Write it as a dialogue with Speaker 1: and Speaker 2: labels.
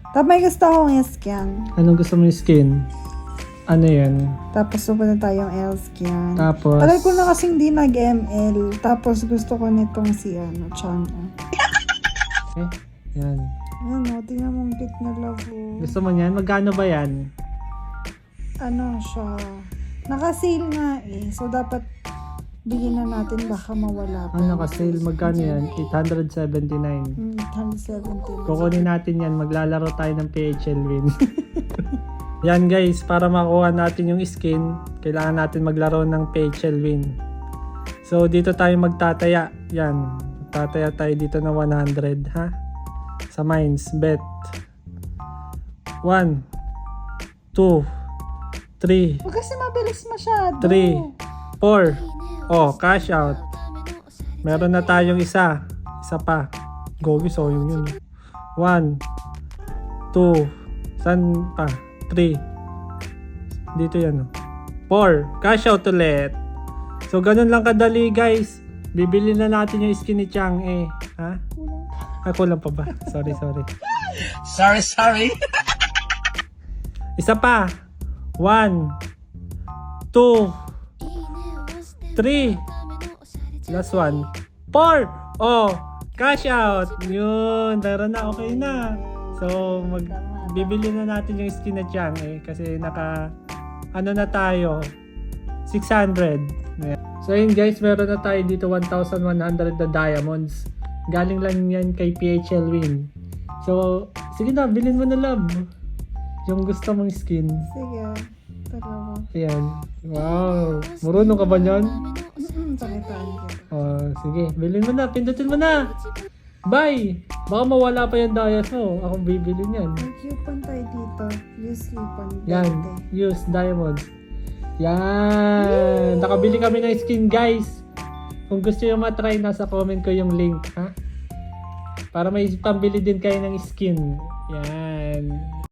Speaker 1: Tapos may gusto akong scan.
Speaker 2: Anong gusto mo yung skin? Ano yan?
Speaker 1: Tapos pupunta tayong L-scan.
Speaker 2: Tapos,
Speaker 1: Tagal ko na kasing di nag-ML. Tapos gusto ko nitong si Chang.
Speaker 2: yan.
Speaker 1: Ano, tingnan mo ang cute na love.
Speaker 2: Gusto mo yan? Magkano ba yan?
Speaker 1: Ano siya? Naka-sale nga eh. So dapat bigyan na natin baka mawala pa.
Speaker 2: Naka-sale. Magkano yan? 879.
Speaker 1: 170.
Speaker 2: Kukunin natin yan. Maglalaro tayo ng PHL Win. Yan guys, para makuha natin yung skin, kailangan natin maglaro ng PHL Win. So dito tayo magtataya. Yan. Magtataya tayo dito na 100 ha. Sa mines. Bet. 1 2 3
Speaker 1: Huwag kasi mabilis masyado.
Speaker 2: 3 4. Oh, cash out. Meron na tayong isa. Isa pa. Gogi, so yun. 1 2 San pa? 3. Dito yan. 4. Cash out ulit. So, ganun lang kadali, guys. Bibili na natin yung skin ni Chang eh. Ha? Kulang pa ba? Sorry.
Speaker 3: Sorry.
Speaker 2: Isa pa. 1 2 3. Last one. 4. Oh, cash out. Yun. Meron na. Okay na. So, bibili na natin yung skin na Chang eh. Kasi ano na tayo. 600. Ayan. So, yun guys. Meron na tayo dito 1,100 na diamonds. Galing lang yan kay PHL Win. So, sige na. Bilhin mo na, love. Yung gusto mong skin.
Speaker 1: Sige. Tara.
Speaker 2: Ayan. Wow. Marunong ka ba nyan?
Speaker 1: Sakitaan ko.
Speaker 2: Sige. Bilhin mo na. Pindutin mo na. Bye! Baka mawala pa yung dias mo. Akong bibili niyan.
Speaker 1: May coupon tayo dito. Use coupon.
Speaker 2: Yan. Use diamonds. Yan. Nakabili kami ng skin, guys. Kung gusto nyo matry, nasa comment ko yung link. Ha? Para may pambili din kayo ng skin. Yan.